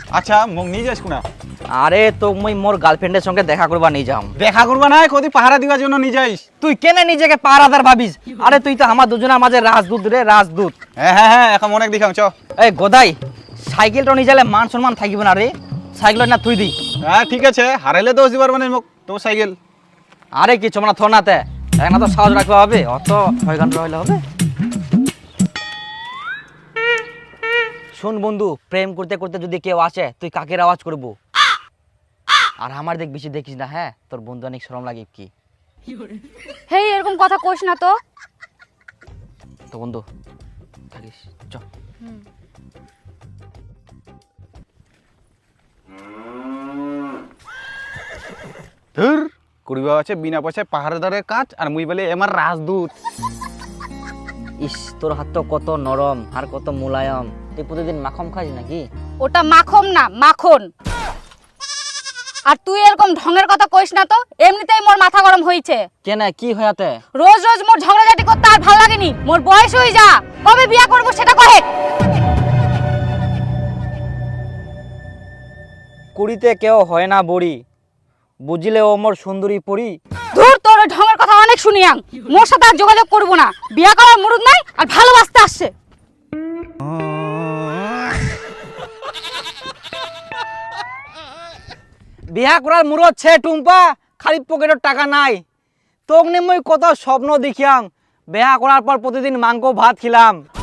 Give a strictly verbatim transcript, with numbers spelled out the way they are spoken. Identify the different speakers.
Speaker 1: আচ্ছা মোক নিয়ে যাস কোনা?
Speaker 2: আরে তো মুই মোর গার্লফ্রেন্ডের সঙ্গে দেখা করবা নিয়ে যাম।
Speaker 1: দেখা করবা না, কদি পাহারা দিবার জন্য নিয়ে যাইস?
Speaker 2: তুই কেন নিজেকে পাহারাদার ভাবিস? আরে তুই তো আমার দুজনের মাঝে রাজদূত রে, রাজদূত।
Speaker 1: হ্যাঁ হ্যাঁ হ্যাঁ, এখন অনেক দেখাম চ।
Speaker 2: এই গোদাই, সাইকেলটা নিয়ে যালে মান সম্মান থাকিব না রে, সাইকেল না তুই দি।
Speaker 1: হ্যাঁ ঠিক আছে, হারাইলে দোষ দিবার মানে মোক তোর সাইকেল।
Speaker 2: আরে কিছু মানে থর নাতে না, তো সাহস রাখতে হবে, অত ছয় ঘন্টা হইলে হবে। শোন বন্ধু, প্রেম করতে করতে যদি কেউ আসে তুই কাকের আওয়াজ করবো, আর আমার দেখ বেশি দেখিস না, হ্যাঁ তোর বন্ধু অনেক শরম লাগে কি।
Speaker 3: হেই এরকম কথা কইস না তো।
Speaker 2: তো বন্ধু থাকিস চ।
Speaker 1: ধুর, করিবা আছে বিনা পয়সায় পাহারাদারের কাজ, আর মুই বলে আমার রাজদূত।
Speaker 2: ইস, তোর হাত তো কত নরম আর কত মুলায়ম, তুই প্রতিদিন মাখন খাস নাকি?
Speaker 3: ওটা মাখন না, মাখন। আর তুই এরকম ঢঙের কথা কইস না তো, এমনিতেই মোর মাথা গরম হইছে।
Speaker 2: কেন কি হয়াতে?
Speaker 3: রোজ রোজ মোর ঝগড়াঝাটি করতে আর ভাল লাগেনি। মোর বয়স হই যা, কবে বিয়া করব সেটা কহে।
Speaker 2: কুড়িতে কেউ হয় না বড়ি, বুঝলে ও মোর সুন্দরী পড়ি।
Speaker 3: ধুর, তোর ওই ঢঙের কথা অনেক শুনিয়াম, মোর সাথে আর যোগাযোগ করব না। বিয়া করার মুরুদ নাই আর ভালোবাসতে আসছে।
Speaker 2: বিয়া করার মুরত ছে টুম্পা, খালি পকেটের টাকা নাই। তোক নিয়ে মই কত স্বপ্ন দেখিয়াম, বিয়া করার পর প্রতিদিন মাংস ভাত খিলাম।